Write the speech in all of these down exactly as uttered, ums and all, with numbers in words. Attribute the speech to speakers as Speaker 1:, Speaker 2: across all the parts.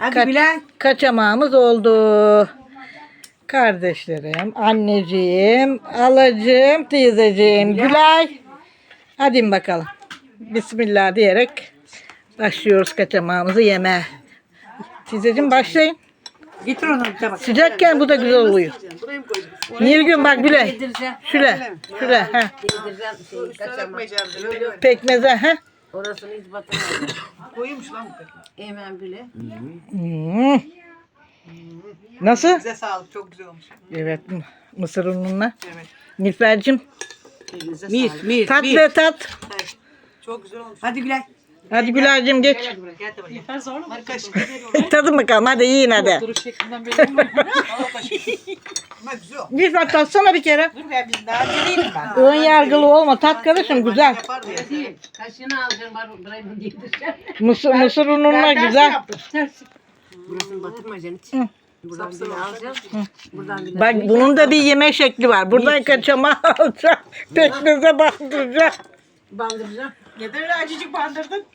Speaker 1: Hadi
Speaker 2: Kaç-
Speaker 1: Bilal.
Speaker 2: Kaçamağımız oldu. Kardeşlerim, anneciğim, alacığım, teyzeciğim, Gülay. Hadi bakalım. Bismillah diyerek başlıyoruz kaçamağımızı yemeye. Teyzeciğim başlayın.
Speaker 1: Getir onu bir tabak.
Speaker 2: Sıcakken bu da güzel oluyor. Nilgün bak Gülay.
Speaker 1: Yedireceğim.
Speaker 2: Şöyle, şöyle. Ha.
Speaker 1: Yedireceğim şeyi kaçamam.
Speaker 2: Pekmeze. Ha.
Speaker 1: Orasını hiç batırmadım.
Speaker 3: Koyuymuş lan bu peki.
Speaker 1: Hemen bile.
Speaker 2: Hmm. Nasıl?
Speaker 3: Size sağlık, çok güzel olmuş.
Speaker 2: Evet, mısır ununla.
Speaker 3: Evet.
Speaker 2: Nilfer'cim,
Speaker 3: Elinize
Speaker 1: Mir,
Speaker 3: sağlık.
Speaker 1: mir,
Speaker 2: tat
Speaker 1: mir.
Speaker 2: ve tat.
Speaker 3: Evet. Çok güzel olmuş.
Speaker 1: Hadi Bilal.
Speaker 2: Hadi Gülay'cığım geç.
Speaker 3: Gel buraya, gel de buraya. Yeter zor mu? Hadi kaşık.
Speaker 2: Tadın bakalım, hadi yiyin hadi.
Speaker 3: Duruş şeklinden belli mi? Al kaşık. Ama güzel.
Speaker 2: Nilfer tatsana bir kere.
Speaker 3: Dur ben biz daha değilim ben.
Speaker 2: Ön yargılı olma, tat karışım güzel.
Speaker 3: Yapar diye.
Speaker 1: Değil. Kaşığını alacağım. Burayı yedireceğim.
Speaker 2: Mısır, mısır ununla güzel.
Speaker 1: Burasını batırmayacaksın hiç.
Speaker 2: Hı.
Speaker 1: Buradan bile alacağım. Buradan bile.
Speaker 2: Bak bunun da bir yeme şekli var. Buradan kaçamağı alacağım. Pekmeze bandıracağım.
Speaker 1: Bandıracağım.
Speaker 3: Neden öyle acıcık bandırdın?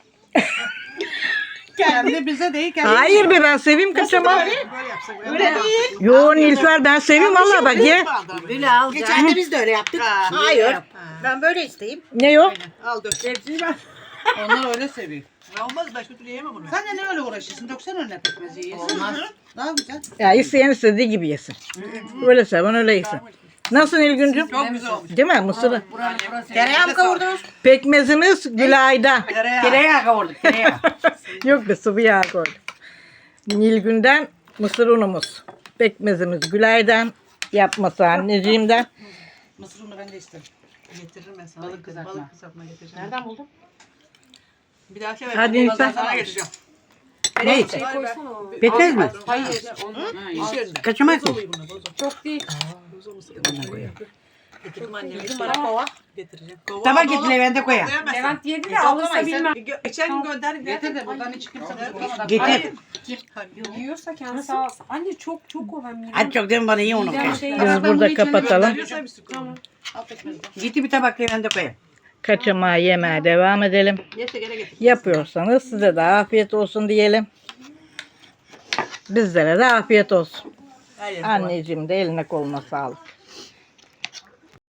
Speaker 3: Kendi bize değil. Kendi
Speaker 2: Hayır be ben seveyim kaçamağı.
Speaker 3: Böyle yapsak. Öyle değil.
Speaker 2: Yo Nilfer ben seveyim valla bak ye.
Speaker 1: Böyle alacağım.
Speaker 3: Geçen de biz de öyle yaptık.
Speaker 1: Hayır.
Speaker 3: Ben böyle isteyeyim.
Speaker 2: Ne o?
Speaker 3: Al dök.
Speaker 1: Hepsini ben.
Speaker 4: Onlar öyle seviyor.
Speaker 3: Ne olmaz başka türlü yiyemem onu.
Speaker 4: Sen de ne öyle uğraşıyorsun? Döksene önüne pekmezi yiyorsun.
Speaker 1: Olmaz.
Speaker 4: Daha güzel.
Speaker 2: Ya isteyen istediği gibi yesin. Öyle seven öyle yesin. Nasıl Nilgüncüm?
Speaker 3: Çok güzel olmuş.
Speaker 2: Değil mi mısırı?
Speaker 1: Buranın burası.
Speaker 4: Tereyağı mı kavurdunuz?
Speaker 2: Pekmezimiz Gülay'da.
Speaker 3: Tereyağı.
Speaker 1: Tereyağı kavurduk. Tereyağı.
Speaker 2: Yok be sıvı yağ koydum. Nilgün'den mısır unumuz. Pekmezimiz Gülay'dan. Yapması anneciğimden.
Speaker 4: Mısır unu ben de isterim.
Speaker 3: Getiririm ben sana.
Speaker 4: Balık kızartma.
Speaker 3: Balık kızartma getireceğim.
Speaker 4: Nereden buldun?
Speaker 3: Bir dahaki ver.
Speaker 2: Hadi
Speaker 3: Bunu
Speaker 2: lütfen.
Speaker 3: sana getireceğim.
Speaker 1: Ne?
Speaker 4: Pekmez mi?
Speaker 1: Hayır.
Speaker 3: İş yerinde.
Speaker 1: Kaçamak mı?
Speaker 3: Boz oluyor buna, boz oluyor.
Speaker 4: Çok değil.
Speaker 3: Boz olmasın. Getirdim anneme.
Speaker 4: Bana kova.
Speaker 3: Getireceğim. Kova
Speaker 1: Tabak
Speaker 3: dolu.
Speaker 1: getir Levent'e koyayım.
Speaker 3: Toplayamazsın.
Speaker 5: Levent yedi de
Speaker 3: Toplamayız.
Speaker 5: alırsa
Speaker 3: Sen
Speaker 5: bilmem.
Speaker 3: gö- Geçen gün gönderdim.
Speaker 4: Getir de buradan hiç kimse bulamadı.
Speaker 1: Getir.
Speaker 5: Yiyorsa kendisi alsın. Anne çok çok o ben
Speaker 1: Hadi çok değil mi bana iyi onu.
Speaker 5: midem şey
Speaker 2: Biz burada kapatalım.
Speaker 5: Tamam.
Speaker 1: Getir bir tabak Levent'e koyayım.
Speaker 2: Kaçamağı yemeye devam edelim.
Speaker 3: Neyse gene getir.
Speaker 2: Yapıyorsanız size de afiyet olsun diyelim. Bizlere de afiyet olsun.
Speaker 3: Her yere koy.
Speaker 2: Anneciğim de eline koluna sağlık.